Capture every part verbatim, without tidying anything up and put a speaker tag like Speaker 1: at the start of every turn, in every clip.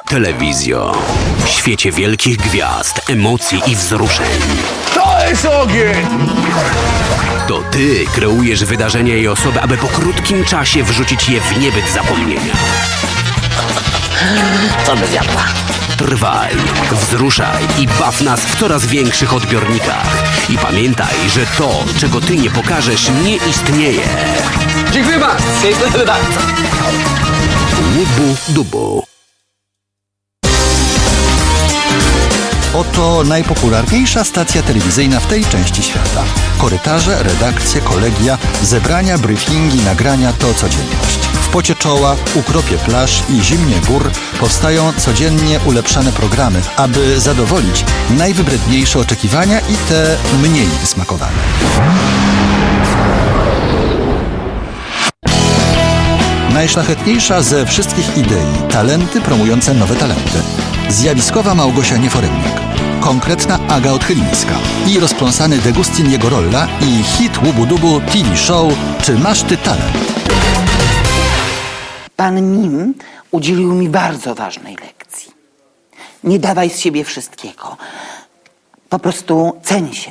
Speaker 1: Telewizjo. W świecie wielkich gwiazd, emocji i wzruszeń.
Speaker 2: To jest ogień!
Speaker 1: To ty kreujesz wydarzenia i osoby, aby po krótkim czasie wrzucić je w niebyt zapomnienia.
Speaker 3: Co by zjadła?
Speaker 1: Trwaj, wzruszaj i baw nas w coraz większych odbiornikach. I pamiętaj, że to, czego ty nie pokażesz, nie istnieje.
Speaker 3: Dziękuję bardzo. Dziękuję bardzo.
Speaker 1: Łubu dubu.
Speaker 4: Oto najpopularniejsza stacja telewizyjna w tej części świata. Korytarze, redakcje, kolegia, zebrania, briefingi, nagrania to codzienność. W pocie czoła, ukropie plaż i zimnie gór powstają codziennie ulepszane programy, aby zadowolić najwybredniejsze oczekiwania i te mniej wysmakowane. Najszlachetniejsza ze wszystkich idei, talenty promujące nowe talenty. Zjawiskowa Małgosia Nieforemniak, konkretna Aga Odchylińska i rozpląsany Degustin Jegorolla i hit Łubu Dubu T V Show Czy masz ty talent?
Speaker 5: Pan Mim udzielił mi bardzo ważnej lekcji. Nie dawaj z siebie wszystkiego. Po prostu ceń się.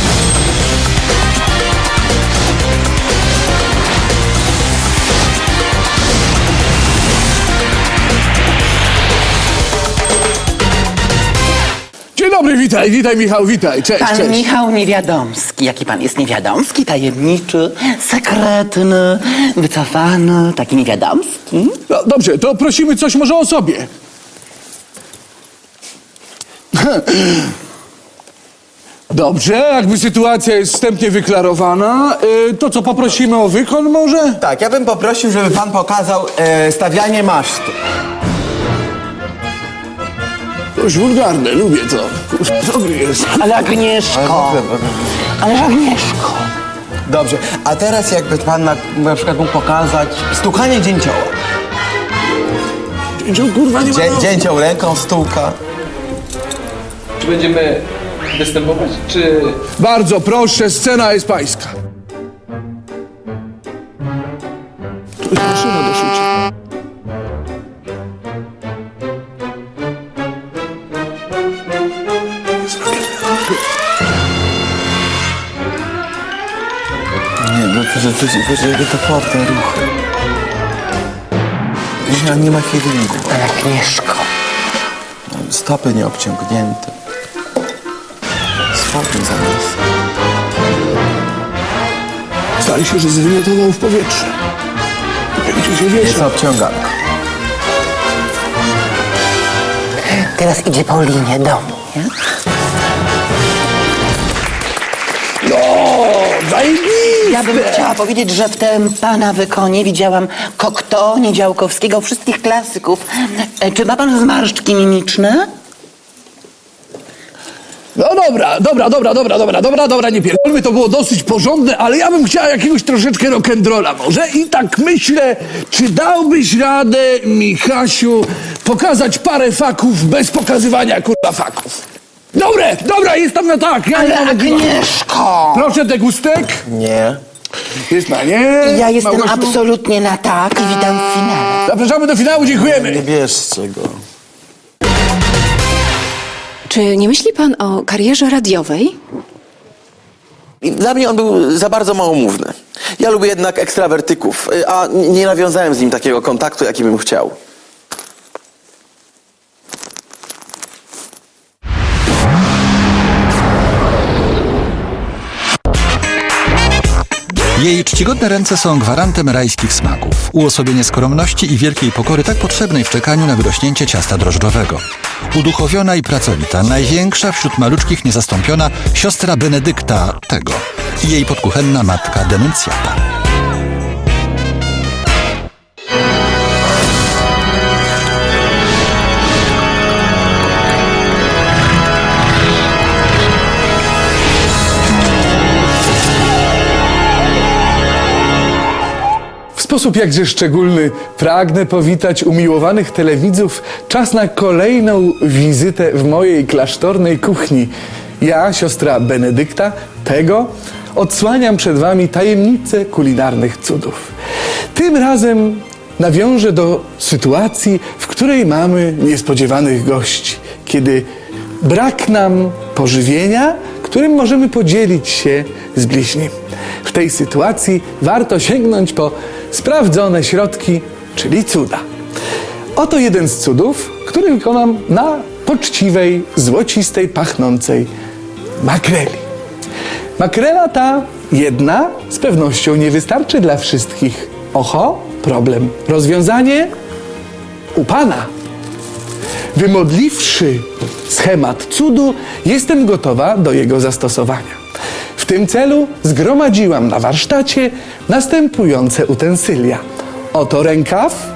Speaker 2: Dzień dobry, witaj, witaj Michał, witaj, cześć,
Speaker 5: Pan
Speaker 2: cześć.
Speaker 5: Michał Niewiadomski. Jaki pan jest niewiadomski, tajemniczy, sekretny, wycofany, taki niewiadomski?
Speaker 2: No, dobrze, to prosimy coś może o sobie. Dobrze, jakby sytuacja jest wstępnie wyklarowana, y, to co, poprosimy o wykon może?
Speaker 6: Tak, ja bym poprosił, żeby pan pokazał e, stawianie masztu.
Speaker 2: Dość wulgarne, lubię to. Dobry jest.
Speaker 5: Ale Agnieszko, ale Agnieszko.
Speaker 6: Dobrze, a teraz jakby pan na, na przykład mógł pokazać stukanie dzięcioła.
Speaker 2: Dzięcioł, kurwa, nie ma...
Speaker 6: Dzie, dzięcioł ręką stuka.
Speaker 7: Czy będziemy występować, czy...
Speaker 2: Bardzo proszę, scena jest pańska. Tu jest maszyna do szycia.
Speaker 6: Nie, no to, to, to, to, to porte ruchy. Nie, nie ma feelingu.
Speaker 5: Ale Agnieszko.
Speaker 6: Stopy nieobciągnięte. Spokój zamiast.
Speaker 2: Zdaje się, że zwymiotował w powietrze. Gdzie się
Speaker 6: Jest
Speaker 2: wiesza.
Speaker 6: obciąganka.
Speaker 5: Teraz idzie po linie domu, nie?
Speaker 2: No, zajebiste!
Speaker 5: Ja bym chciała powiedzieć, że w tym pana wykonie widziałam Kokto, Niedziałkowskiego, wszystkich klasyków. E, Czy ma pan zmarszczki mimiczne?
Speaker 2: No dobra, dobra, dobra, dobra, dobra, dobra, dobra, nie pierdolmy, to było dosyć porządne, ale ja bym chciała jakiegoś troszeczkę rock'n'rolla może i tak myślę, czy dałbyś radę, Michasiu, pokazać parę faków bez pokazywania, kurwa, faków. Dobre, dobra, jest tam na tak. Ja
Speaker 5: Ale
Speaker 2: nie mam-
Speaker 5: Agnieszko!
Speaker 2: Proszę, degustek.
Speaker 6: Nie.
Speaker 2: Jest na nie.
Speaker 5: Ja jestem
Speaker 2: Małgosiu.
Speaker 5: absolutnie na tak i witam w finale.
Speaker 2: Zapraszamy do finału,
Speaker 6: Nie
Speaker 2: dziękujemy.
Speaker 6: bierzcie go.
Speaker 8: Czy nie myśli pan o karierze radiowej?
Speaker 9: I dla mnie on był za bardzo małomówny. Ja lubię jednak ekstrawertyków, y, a nie nawiązałem z nim takiego kontaktu, jaki bym chciał.
Speaker 4: Jej czcigodne ręce są gwarantem rajskich smaków. Uosobienie skromności i wielkiej pokory tak potrzebnej w czekaniu na wyrośnięcie ciasta drożdżowego. Uduchowiona i pracowita, największa wśród maluczkich niezastąpiona siostra Benedykta tego i jej podkuchenna matka Denuncjata.
Speaker 2: W sposób jakże szczególny pragnę powitać umiłowanych telewidzów. Czas na kolejną wizytę w mojej klasztornej kuchni. Ja, siostra Benedykta, tego, odsłaniam przed wami tajemnice kulinarnych cudów. Tym razem nawiążę do sytuacji, w której mamy niespodziewanych gości, kiedy brak nam pożywienia, którym możemy podzielić się z bliźnim. W tej sytuacji warto sięgnąć po sprawdzone środki, czyli cuda. Oto jeden z cudów, który wykonam na poczciwej, złocistej, pachnącej makreli. Makrela ta jedna z pewnością nie wystarczy dla wszystkich. Oho, problem. Rozwiązanie u Pana. Wymodliwszy schemat cudu, jestem gotowa do jego zastosowania. W tym celu zgromadziłam na warsztacie następujące utensylia. Oto rękaw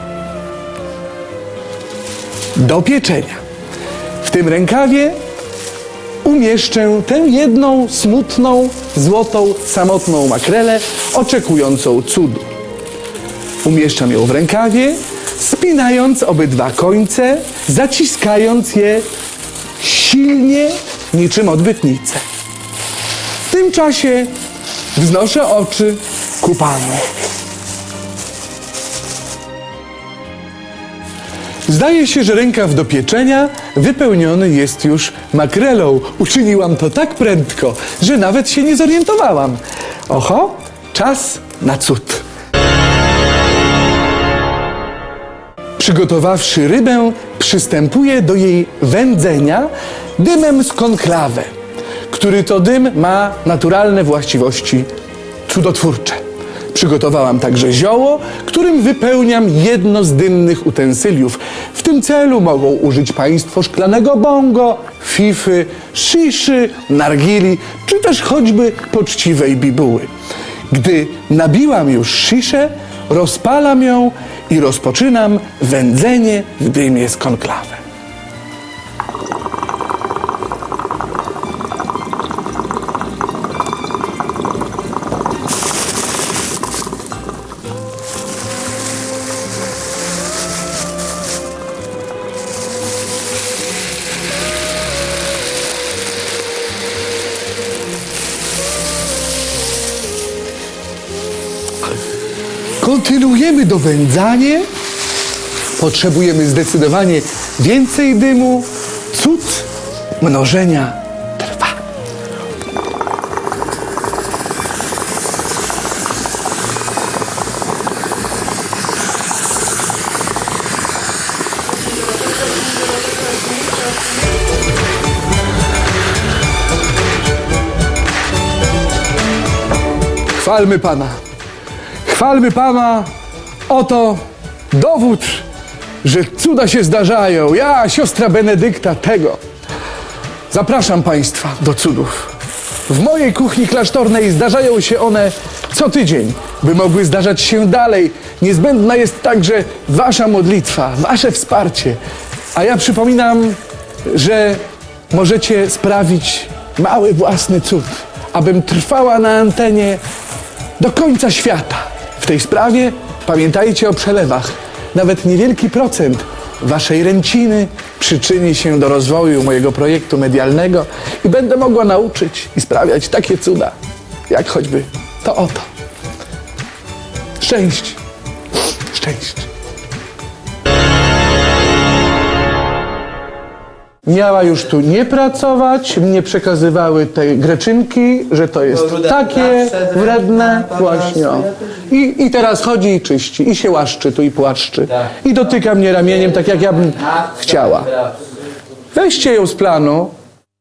Speaker 2: do pieczenia. W tym rękawie umieszczę tę jedną smutną, złotą, samotną makrelę oczekującą cudu. Umieszczam ją w rękawie, spinając obydwa końce, zaciskając je silnie niczym odbytnicę. W tym czasie wznoszę oczy ku Panu. Zdaje się, że rękaw do pieczenia wypełniony jest już makrelą. Uczyniłam to tak prędko, że nawet się nie zorientowałam. Oho, czas na cud. Przygotowawszy rybę, przystępuję do jej wędzenia dymem z konklawe, który to dym ma naturalne właściwości cudotwórcze. Przygotowałam także zioło, którym wypełniam jedno z dymnych utensyliów. W tym celu mogą użyć Państwo szklanego bongo, fify, sziszy, nargili, czy też choćby poczciwej bibuły. Gdy nabiłam już sziszę, rozpalam ją i rozpoczynam wędzenie w dymie z konklawy. Kontynuujemy dowędzanie. Potrzebujemy zdecydowanie więcej dymu. Cud mnożenia trwa. Chwalmy Pana. Chwalmy Pana, oto dowód, że cuda się zdarzają. Ja, siostra Benedykta, tego. Zapraszam Państwa do cudów. W mojej kuchni klasztornej zdarzają się one co tydzień. By mogły zdarzać się dalej, niezbędna jest także Wasza modlitwa, Wasze wsparcie. A ja przypominam, że możecie sprawić mały własny cud, abym trwała na antenie do końca świata. W tej sprawie pamiętajcie o przelewach. Nawet niewielki procent Waszej ręciny przyczyni się do rozwoju mojego projektu medialnego i będę mogła nauczyć i sprawiać takie cuda, jak choćby to oto. Szczęść. Szczęść. Miała już tu nie pracować, mnie przekazywały te greczynki, że to jest takie wredne, właśnie. O. I, I teraz chodzi i czyści, i się łaszczy tu i płaszczy. I dotyka mnie ramieniem, tak jak ja bym chciała. Weźcie ją z planu.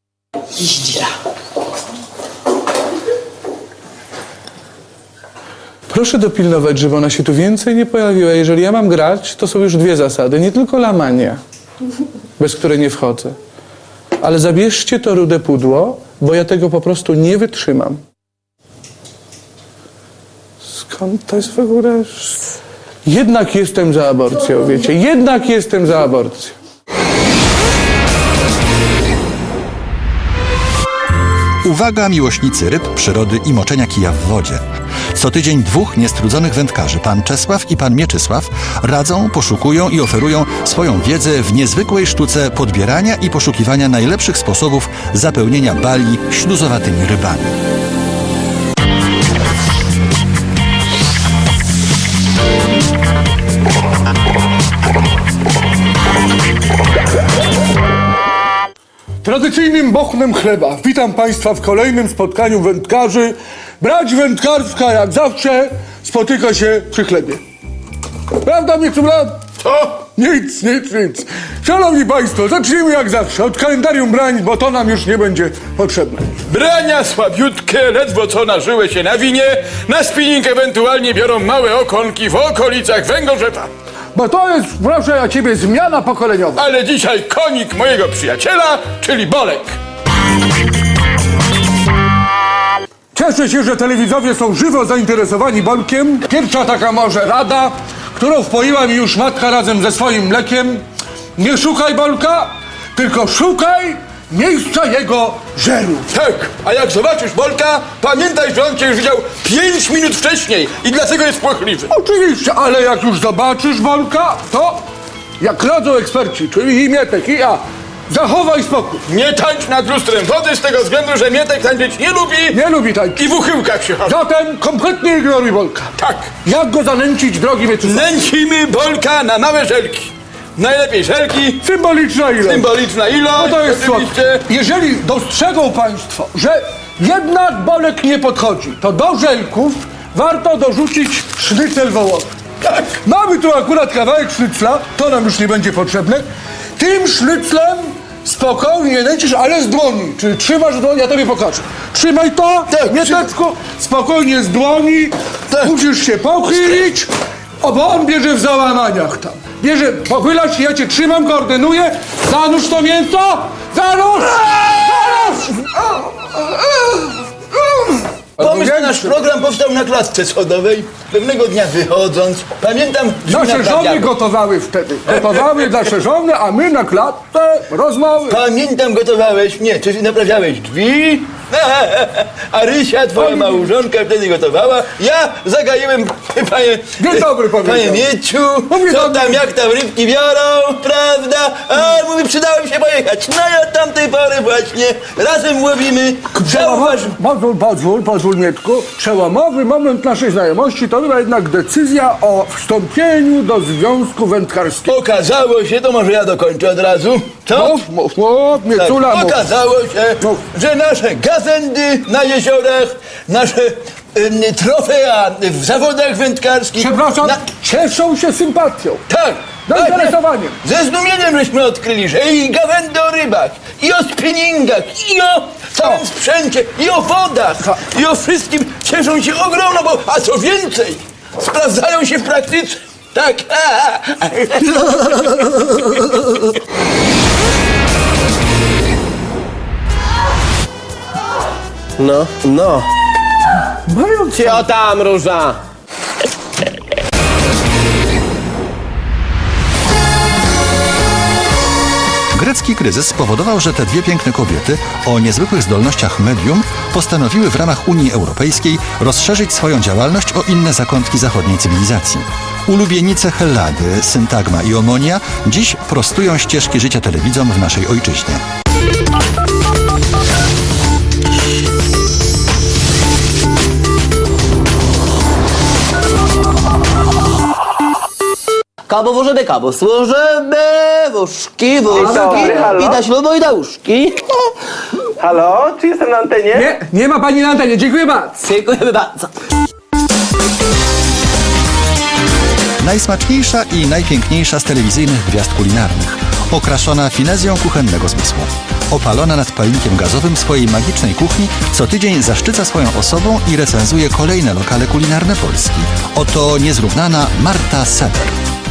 Speaker 2: Proszę dopilnować, żeby ona się tu więcej nie pojawiła. Jeżeli ja mam grać, to są już dwie zasady, nie tylko lamania, bez której nie wchodzę. Ale zabierzcie to rude pudło, bo ja tego po prostu nie wytrzymam. Skąd to jest w ogóle? Jednak jestem za aborcją, wiecie, jednak jestem za aborcją.
Speaker 4: Uwaga, miłośnicy ryb, przyrody i moczenia kija w wodzie. Co tydzień dwóch niestrudzonych wędkarzy, pan Czesław i pan Mieczysław, radzą, poszukują i oferują swoją wiedzę w niezwykłej sztuce podbierania i poszukiwania najlepszych sposobów zapełnienia bali śluzowatymi rybami.
Speaker 2: tradycyjnym bochnem chleba witam Państwa w kolejnym spotkaniu wędkarzy. Brać wędkarska jak zawsze spotyka się przy chlebie. Prawda, mnie tu brat? Co? Nic, nic, nic. Szanowni Państwo, zacznijmy jak zawsze od kalendarium brań, bo to nam już nie będzie potrzebne.
Speaker 10: Brania słabiutkie, ledwo co nażyły się na winie, na spinning ewentualnie biorą małe okonki w okolicach Węgorzewa.
Speaker 2: Bo to jest, proszę ja ciebie, zmiana pokoleniowa.
Speaker 10: Ale dzisiaj konik mojego przyjaciela, czyli Bolek.
Speaker 2: Cieszę się, że telewidzowie są żywo zainteresowani Bolkiem. Pierwsza taka może rada, którą wpoiła mi już matka razem ze swoim mlekiem. Nie szukaj Bolka, tylko szukaj miejsca jego żeru.
Speaker 10: Tak, a jak zobaczysz Bolka, pamiętaj, że on cię już widział pięć minut wcześniej i dlatego jest płochliwy.
Speaker 2: Oczywiście, ale jak już zobaczysz Bolka, to jak radzą eksperci, czyli i Mietek, i ja, zachowaj spokój.
Speaker 10: Nie tańcz nad lustrem wody z tego względu, że Mietek tańczyć nie lubi
Speaker 2: Nie lubi tańczyć.
Speaker 10: i w uchyłkach się chowa.
Speaker 2: Zatem kompletnie ignoruj Bolka.
Speaker 10: Tak,
Speaker 2: Jak go zanęcić, drogi Mieczysław?
Speaker 10: nęcimy Bolka na małe żelki. Najlepiej żelki,
Speaker 2: Symboliczna ilość.
Speaker 10: symboliczna ilość,
Speaker 2: No to jest
Speaker 10: oczywiście.
Speaker 2: słodkie. Jeżeli dostrzegą Państwo, że jednak Bolek nie podchodzi, to do żelków warto dorzucić sznycel wołowy.
Speaker 10: Tak.
Speaker 2: Mamy tu akurat kawałek sznycla, to nam już nie będzie potrzebne. Tym sznyclem spokojnie nęcisz, ale z dłoni. Czyli trzymasz w dłoni, ja tobie pokażę. Trzymaj to,
Speaker 10: Tak,
Speaker 2: Mieteczku, spokojnie z dłoni. Musisz się pochylić, o, bo on bierze w załamaniach tam. Bierze, pochylasz się, ja cię trzymam, koordynuję. Zanurz to mięso! Zanurz! Zanurz!
Speaker 11: Pomysł na nasz program powstał na klatce schodowej. Pewnego dnia wychodząc, pamiętam, że
Speaker 2: Nasze
Speaker 11: naprawiały.
Speaker 2: żony gotowały wtedy. Gotowały nasze żony, a my na klatce rozmowy.
Speaker 11: Pamiętam, gotowałeś, nie, czy naprawiałeś drzwi, a Rysia, twoja
Speaker 2: Pani-
Speaker 11: małżonka, wtedy gotowała. Ja zagaiłem, panie...
Speaker 2: Dzień dobry, powiedział.
Speaker 11: Panie Mieciu,
Speaker 2: Mówię
Speaker 11: co
Speaker 2: dobry.
Speaker 11: tam, jak tam rybki biorą, prawda? A, mówi, przydało mi się pojechać. No i od tamtej pory właśnie razem łowimy. Zauważ...
Speaker 2: Pozwól, pozwól, pozwól Mietku. Przełomowy moment naszej znajomości to była jednak decyzja o wstąpieniu do Związku Wędkarskiego.
Speaker 11: Okazało się, to może ja dokończę od razu, co?
Speaker 2: Mów, mów, mów, Miecula,
Speaker 11: Tak,
Speaker 2: mów.
Speaker 11: okazało się,
Speaker 2: Mów.
Speaker 11: że nasze gazędy na jeziorach, nasze em, trofea w zawodach wędkarskich...
Speaker 2: Przepraszam,
Speaker 11: na-
Speaker 2: cieszą się sympatią.
Speaker 11: Tak!
Speaker 2: Zainteresowaniem.
Speaker 11: Ze zdumieniem żeśmy odkryli, że i gawędy o rybach, i o spinningach, i o całym
Speaker 2: O.
Speaker 11: sprzęcie, i o wodach,
Speaker 2: Ha.
Speaker 11: i o wszystkim cieszą się ogromno, bo, a co więcej, sprawdzają się w praktyce. Tak.
Speaker 3: No, no.
Speaker 2: Mają
Speaker 3: Cio tam, Róża.
Speaker 4: Grecki kryzys spowodował, że te dwie piękne kobiety o niezwykłych zdolnościach medium postanowiły w ramach Unii Europejskiej rozszerzyć swoją działalność o inne zakątki zachodniej cywilizacji. Ulubienice Hellady, Syntagma i Omonia dziś prostują ścieżki życia telewidzom w naszej ojczyźnie.
Speaker 5: Kabo włożymy, kabo służymy, wóżki, wóżki,
Speaker 3: dobry, halo?
Speaker 5: i da ślubu, i da łóżki.
Speaker 3: Halo, czy jestem na antenie?
Speaker 2: Nie, nie ma pani na antenie, dziękuję bardzo.
Speaker 5: Dziękujemy bardzo.
Speaker 4: Najsmaczniejsza i najpiękniejsza z telewizyjnych gwiazd kulinarnych. Okraszona finezją kuchennego zmysłu. Opalona nad palnikiem gazowym swojej magicznej kuchni, co tydzień zaszczyca swoją osobą i recenzuje kolejne lokale kulinarne Polski. Oto niezrównana Marta Seber.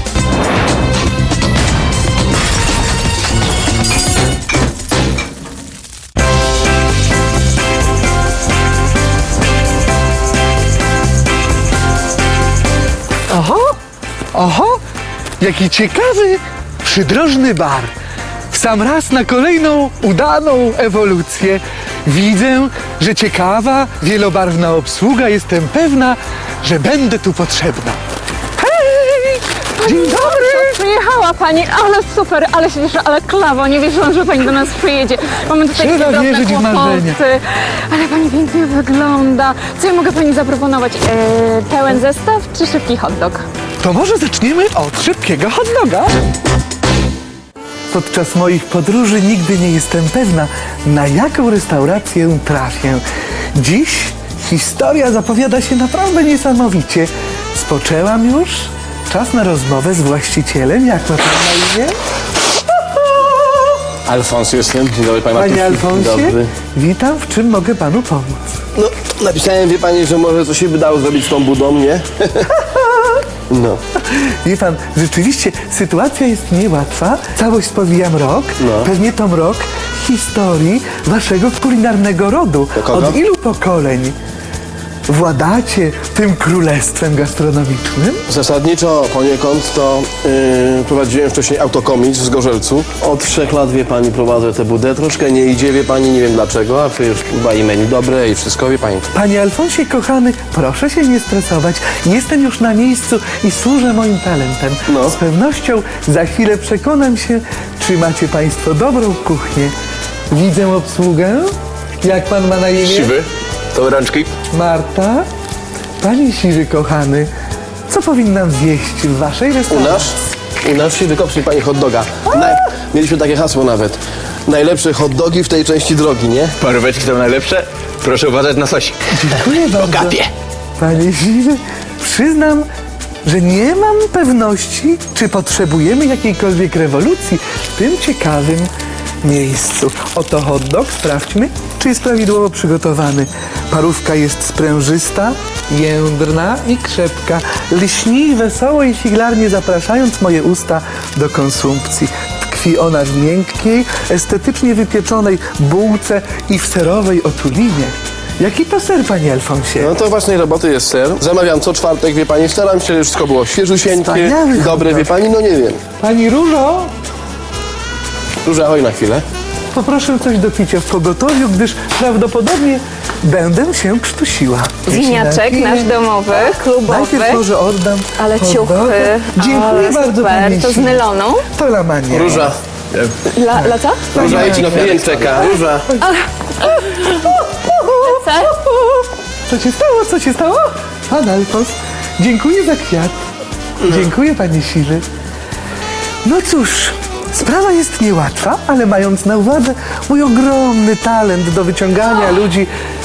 Speaker 2: Oho, oho, jaki ciekawy, przydrożny bar. W sam raz na kolejną udaną ewolucję. Widzę, że ciekawa, wielobarwna obsługa. Jestem pewna, że będę tu potrzebna. Hej! Dzień dobry!
Speaker 12: Przyjechała pani, ale super, ale się cieszę, ale klawo, nie wierzyłam, że pani do nas przyjedzie. Mamy tutaj
Speaker 2: Trzeba
Speaker 12: cudowne
Speaker 2: wierzyć w
Speaker 12: kłopoty,
Speaker 2: marzenia.
Speaker 12: ale pani pięknie wygląda. Co ja mogę pani zaproponować? E, pełen zestaw czy szybki hot dog?
Speaker 2: To może zaczniemy od szybkiego hot doga? podczas moich podróży nigdy nie jestem pewna, na jaką restaurację trafię. Dziś historia zapowiada się naprawdę niesamowicie. Spoczęłam już. Czas na rozmowę z właścicielem. Jak ma pan na imię?
Speaker 3: Alfons jestem. Dzień dobry, panie
Speaker 2: Panie
Speaker 3: Matusiu.
Speaker 2: Alfonsie,
Speaker 3: Dobry.
Speaker 2: witam. W czym mogę panu pomóc?
Speaker 3: No, napisałem, wie pani, że może coś się by dało zrobić z tą budą, nie? No.
Speaker 2: Wie pan, rzeczywiście sytuacja jest niełatwa. Całość spowijam rok.
Speaker 3: No.
Speaker 2: Pewnie to rok historii waszego kulinarnego rodu.
Speaker 3: Do kogo?
Speaker 2: Od ilu pokoleń władacie tym królestwem gastronomicznym?
Speaker 3: Zasadniczo poniekąd to yy, prowadziłem wcześniej autokomic w Zgorzelcu. Od trzech lat, wie pani, prowadzę tę budę. Troszkę nie idzie, wie pani, nie wiem dlaczego, a przecież chyba i menu dobre i wszystko, wie pani.
Speaker 2: Panie Alfonsie, kochany, proszę się nie stresować. Jestem już na miejscu i służę moim talentem.
Speaker 3: No.
Speaker 2: Z pewnością za chwilę przekonam się, czy macie państwo dobrą kuchnię. Widzę obsługę. Jak pan ma na imię?
Speaker 10: Siwy, to rączki.
Speaker 2: Marta? Panie Siwy, kochany, co powinnam zjeść w waszej
Speaker 3: U
Speaker 2: restauracji?
Speaker 3: nas? U nas się wykoprzy pani hot doga. Naj... Mieliśmy takie hasło nawet. Najlepsze hot dogi w tej części drogi, nie?
Speaker 10: Paróweczki są najlepsze. Proszę uważać na sosik.
Speaker 2: Dziękuję bardzo.
Speaker 10: kapie.
Speaker 2: Panie Siwy, przyznam, że nie mam pewności, czy potrzebujemy jakiejkolwiek rewolucji w tym ciekawym miejscu. Oto hot dog, sprawdźmy, czy jest prawidłowo przygotowany. Parówka jest sprężysta, jędrna i krzepka. Lśni wesoło i figlarnie zapraszając moje usta do konsumpcji. Tkwi ona w miękkiej, estetycznie wypieczonej bułce i w serowej otulinie. Jaki to ser, panie Alfonsie?
Speaker 3: No to własnej roboty jest ser. Zamawiam co czwartek, wie pani. Staram się, żeby wszystko było świeżusieńkie,
Speaker 2: Wspaniały hot
Speaker 3: dobre,
Speaker 2: dog.
Speaker 3: wie pani, no nie wiem.
Speaker 2: Pani Różo,
Speaker 3: Róża, oj na chwilę.
Speaker 2: poproszę coś do picia w pogotowiu, gdyż prawdopodobnie będę się krztusiła.
Speaker 12: Winiaczek nasz domowy, klubowy.
Speaker 2: Najpierw może oddam
Speaker 12: Ale
Speaker 2: hot
Speaker 12: ciuchy.
Speaker 2: doga. Dziękuję
Speaker 12: Ale
Speaker 2: bardzo,
Speaker 12: super.
Speaker 2: pani
Speaker 12: To z
Speaker 2: Siwy.
Speaker 12: nyloną?
Speaker 2: To lamanie.
Speaker 3: Róża,
Speaker 12: Dla, dla co?
Speaker 3: Róża, idź, no klient czeka. Róża.
Speaker 12: Ser?
Speaker 2: Co się stało? Co się stało? Pan Alfons, dziękuję za kwiat. Dziękuję, panie Siwy. No cóż, sprawa jest niełatwa, ale mając na uwadze mój ogromny talent do wyciągania ludzi...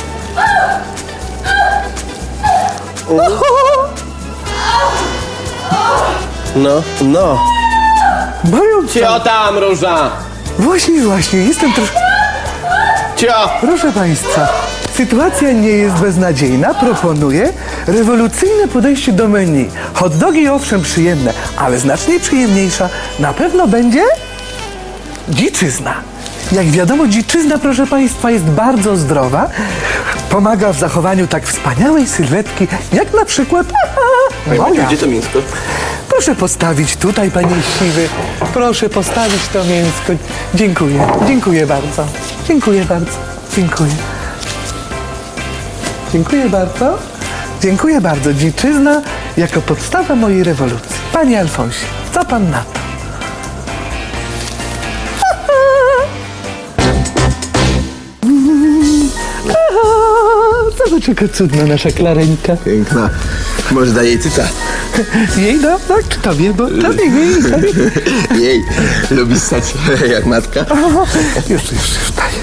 Speaker 3: No, no.
Speaker 2: Moją
Speaker 3: Cio tam, Róża!
Speaker 2: Właśnie, właśnie, jestem troszkę...
Speaker 3: Cio!
Speaker 2: Proszę państwa, sytuacja nie jest beznadziejna. Proponuję rewolucyjne podejście do menu. Hot dogi owszem przyjemne, ale znacznie przyjemniejsza na pewno będzie dziczyzna. Jak wiadomo, dziczyzna, proszę państwa, jest bardzo zdrowa. Pomaga w zachowaniu tak wspaniałej sylwetki, jak na przykład moja.
Speaker 3: Gdzie to mięsko?
Speaker 2: Proszę postawić tutaj, panie Siwy. Proszę postawić to mięsko. Dziękuję. Dziękuję bardzo. Dziękuję bardzo. Dziękuję. Dziękuję bardzo. Dziękuję bardzo. Dziczyzna jako podstawa mojej rewolucji. Panie Alfonsie, co pan na to? Zobacz, jaka cudna nasza Klareńka.
Speaker 11: Piękna. Może daje jej cyca.
Speaker 2: Jej, no, tak, czy tobie, bo tobie, jej, tobie.
Speaker 11: Jej, lubi ssać jak matka.
Speaker 2: Już, już, już, daję.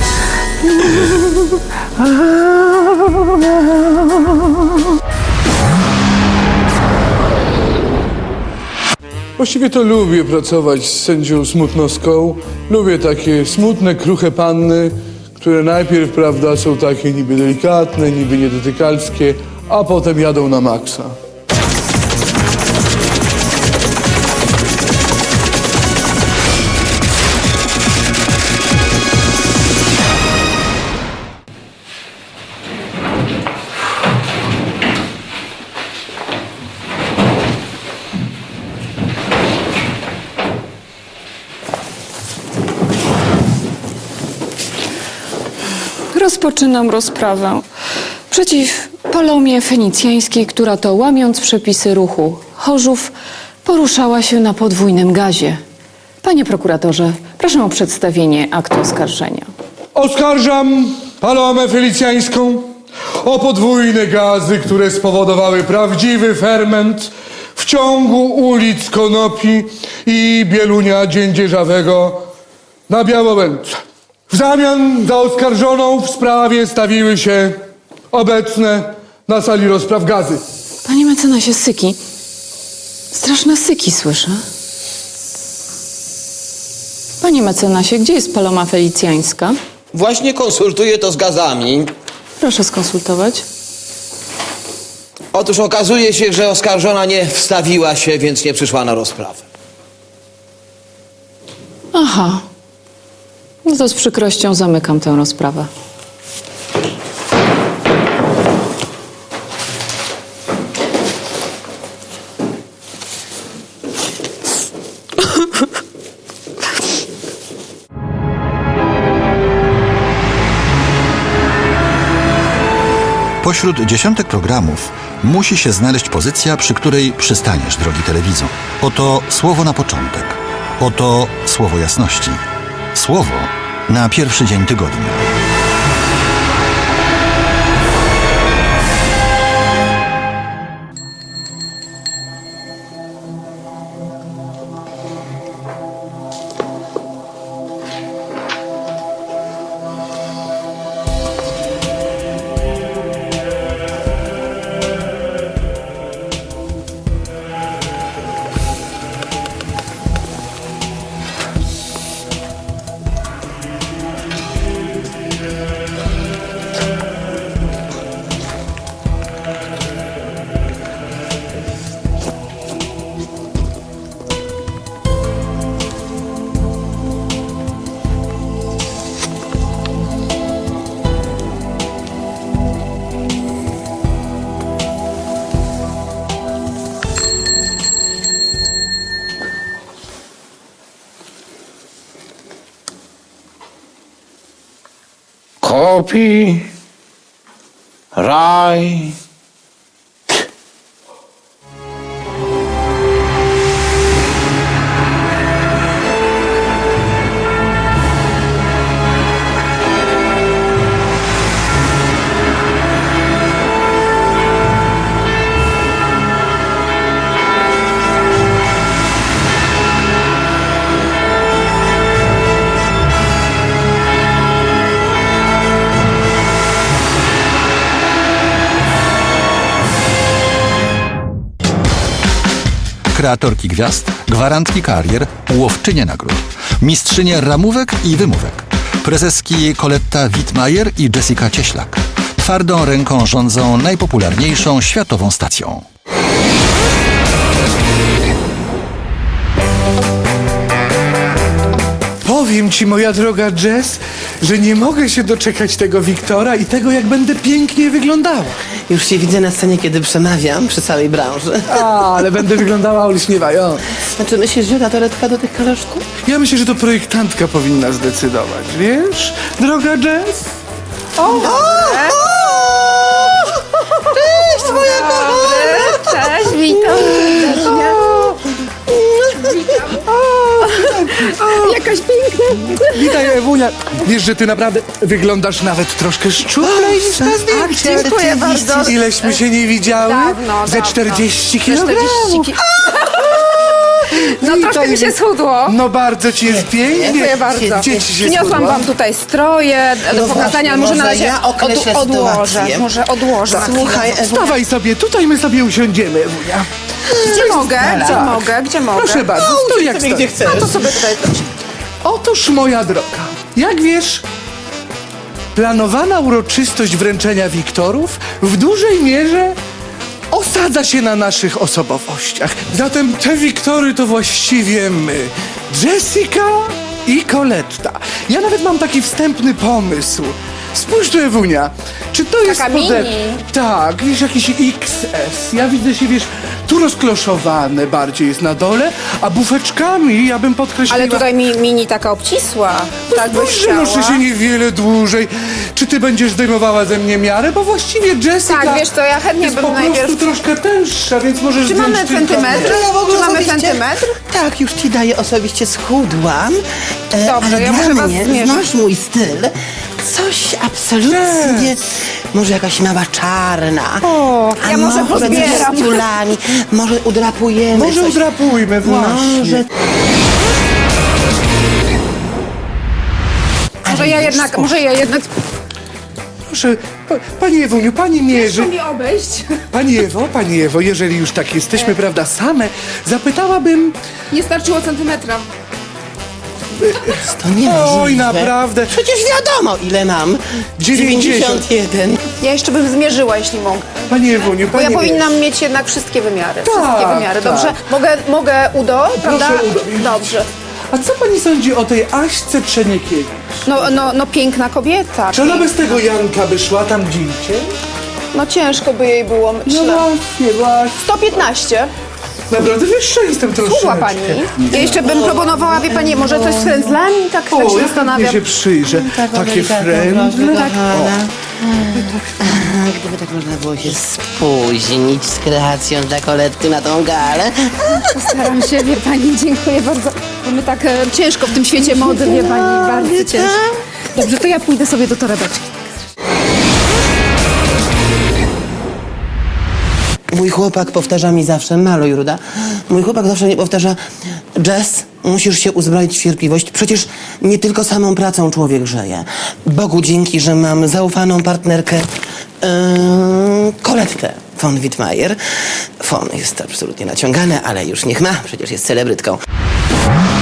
Speaker 10: Właściwie to lubię pracować z sędzią Smutnowską. Lubię takie smutne, kruche panny, które najpierw, prawda, są takie niby delikatne, niby niedotykalskie, a potem jadą na maksa.
Speaker 8: Rozpoczynam rozprawę przeciw Palomie Fenicjańskiej, która to łamiąc przepisy ruchu Chorzów poruszała się na podwójnym gazie. Panie prokuratorze, proszę o przedstawienie aktu oskarżenia.
Speaker 10: Oskarżam Palomę Felicjańską o podwójne gazy, które spowodowały prawdziwy ferment w ciągu ulic Konopi i Bielunia Dziędzierzawego na Białowędce. W zamian za oskarżoną w sprawie stawiły się obecne na sali rozpraw gazy.
Speaker 8: Panie mecenasie, syki. Straszne syki słyszę. Panie mecenasie, gdzie jest Paloma Felicjańska?
Speaker 11: Właśnie konsultuję to z gazami.
Speaker 8: Proszę skonsultować.
Speaker 11: Otóż okazuje się, że oskarżona nie wstawiła się, więc nie przyszła na rozprawę.
Speaker 8: Aha. No to z przykrością zamykam tę rozprawę.
Speaker 4: Pośród dziesiątek programów musi się znaleźć pozycja, przy której przystaniesz, drogi telewizor. Oto słowo na początek. Oto słowo jasności. Słowo na pierwszy dzień tygodnia.
Speaker 2: Kopi, raj.
Speaker 4: Kreatorki gwiazd, gwarantki karier, łowczynie nagród, mistrzynie ramówek i wymówek, prezeski Coletta Wittmajer i Jessica Cieślak. Twardą ręką rządzą najpopularniejszą światową stacją.
Speaker 10: Powiem ci, moja droga Jess, że nie mogę się doczekać tego Wiktora i tego, jak będę pięknie wyglądała.
Speaker 5: Już się widzę na scenie, kiedy przemawiam przy całej branży.
Speaker 10: A, ale będę wyglądała olśniewająco.
Speaker 5: Znaczy, myślisz, że ta toaletka do tych kaloszków?
Speaker 10: Ja myślę, że to projektantka powinna zdecydować, wiesz, droga Jess?
Speaker 5: O! o, o! Cześć, moja kochana!
Speaker 12: Cześć, witam. Jakaś piękna.
Speaker 10: Witaj, Ewunia. Wiesz, że ty naprawdę wyglądasz nawet troszkę szczuplej niż na zdjęciu.
Speaker 12: Dziękuję bardzo.
Speaker 10: Ileśmy się nie widziały?
Speaker 12: Dawno,
Speaker 10: Ze
Speaker 12: dawno.
Speaker 10: czterdzieści
Speaker 12: Ze
Speaker 10: kilogramów.
Speaker 12: czterdzieści ki- No
Speaker 10: Witaj,
Speaker 12: troszkę mi się
Speaker 10: wi-
Speaker 12: schudło.
Speaker 10: No bardzo ci jest pięknie.
Speaker 12: Dziękuję bardzo.
Speaker 10: Gdzie ci się
Speaker 12: Przyniosłam
Speaker 10: schudło?
Speaker 12: wam tutaj stroje do
Speaker 5: No
Speaker 12: pokazania,
Speaker 5: właśnie,
Speaker 12: ale może na
Speaker 5: może
Speaker 12: razie
Speaker 5: ja określę
Speaker 12: od, odłożę.
Speaker 5: sytuację.
Speaker 12: Może odłożę.
Speaker 5: Słuchaj, Ewunia,
Speaker 10: Stawaj sobie, tutaj my sobie usiądziemy, Ewunia.
Speaker 12: Gdzie mogę? Gdzie
Speaker 10: Tak.
Speaker 12: mogę? Gdzie mogę?
Speaker 10: Proszę bardzo,
Speaker 5: No,
Speaker 10: stój
Speaker 5: usiądź
Speaker 10: jak
Speaker 5: sobie,
Speaker 10: stoi.
Speaker 5: gdzie chcesz.
Speaker 12: No to sobie tutaj.
Speaker 10: Otóż, moja droga, jak wiesz, planowana uroczystość wręczenia Wiktorów w dużej mierze osadza się na naszych osobowościach. Zatem te Wiktory to właściwie my. Jessica i Coletta. Ja nawet mam taki wstępny pomysł. Spójrz tu, Ewunia. Czy to jest
Speaker 12: Taka
Speaker 10: pode...
Speaker 12: mini.
Speaker 10: Tak, wiesz, jakiś X S. Ja widzę się, wiesz, tu rozkloszowane bardziej jest na dole, a bufeczkami ja bym podkreśliła...
Speaker 12: Ale tutaj mi, mini taka obcisła. Tak byś
Speaker 10: Spójrz, że noszę
Speaker 12: chciała.
Speaker 10: się niewiele dłużej. Czy ty będziesz zdejmowała ze mnie miarę? Bo właściwie Jessica
Speaker 12: Tak, wiesz co, ja chętnie
Speaker 10: jest
Speaker 12: bym
Speaker 10: po prostu
Speaker 12: najpierw-
Speaker 10: troszkę tęższa, więc możesz
Speaker 12: Czy
Speaker 10: zdjąć
Speaker 12: mamy
Speaker 10: tylko
Speaker 12: centymetr?
Speaker 10: mnie.
Speaker 5: Ja w ogóle
Speaker 12: Czy mamy
Speaker 5: osobiście-
Speaker 12: centymetr?
Speaker 5: Tak, już ci daję, osobiście schudłam. E,
Speaker 12: Dobrze,
Speaker 5: ale
Speaker 12: ja
Speaker 5: dla
Speaker 12: muszę was
Speaker 5: mnie,
Speaker 12: zmierzyć.
Speaker 5: znasz mój styl. Coś absolutnie... Może jakaś mała czarna.
Speaker 12: O,
Speaker 5: a
Speaker 12: ja może
Speaker 5: może
Speaker 12: pozbieram.
Speaker 5: z stulami. Może udrapujemy.
Speaker 10: E, Może
Speaker 5: coś.
Speaker 10: udrapujmy, właśnie.
Speaker 5: Może...
Speaker 12: Może ja jednak, może ja jednak...
Speaker 2: Proszę, pa, pani Ewuniu, pani mierzy...
Speaker 12: mi obejść.
Speaker 2: Pani Ewo, pani Ewo, jeżeli już tak jesteśmy, prawda, same, zapytałabym...
Speaker 12: Nie starczyło centymetra.
Speaker 5: To nie
Speaker 2: Oj, naprawdę.
Speaker 5: Przecież wiadomo, ile mam.
Speaker 2: dziewięćdziesiąt
Speaker 5: jeden.
Speaker 12: Ja jeszcze bym zmierzyła, jeśli mogę.
Speaker 2: Pani Ewuniu,
Speaker 12: Bo
Speaker 2: pani
Speaker 12: ja
Speaker 2: mierzy.
Speaker 12: powinnam mieć jednak wszystkie wymiary.
Speaker 2: Tak,
Speaker 12: wszystkie wymiary,
Speaker 2: tak.
Speaker 12: dobrze? Mogę, mogę udo, prawda?
Speaker 2: udo.
Speaker 12: Dobrze.
Speaker 2: A co pani sądzi o tej Aśce Przeniekiewicz?
Speaker 12: No, no, no piękna kobieta.
Speaker 2: Czy ona
Speaker 12: piękna.
Speaker 2: bez tego Janka by szła tam gdzie indziej?
Speaker 12: No ciężko by jej było, myślę.
Speaker 2: No właśnie, właśnie.
Speaker 12: sto piętnaście.
Speaker 2: Naprawdę wyższa jestem troszeczkę.
Speaker 12: Słucha pani. Ja jeszcze bym proponowała, wie pani, może coś z frędzlami? Tak, tak
Speaker 2: O,
Speaker 12: się
Speaker 2: ja
Speaker 12: zastanawiam.
Speaker 2: chętnie się przyjrzę. Takie frędzle.
Speaker 5: Tak. Gdyby tak można było się spóźnić z kreacją dla Koletty na tą galę.
Speaker 12: Staram się, wie pani, dziękuję bardzo. Bo my tak e, ciężko w tym świecie mody, wie pani, bardzo ciężko. Dobrze, to ja pójdę sobie do torebeczki.
Speaker 5: Mój chłopak powtarza mi zawsze, maluj Ruda, mój chłopak zawsze mi powtarza, Jess, musisz się uzbroić w cierpliwość, przecież nie tylko samą pracą człowiek żyje. Bogu dzięki, że mam zaufaną partnerkę, yy, Kolettę von Wittmeier. Von jest absolutnie naciągane, ale już niech ma, przecież jest celebrytką.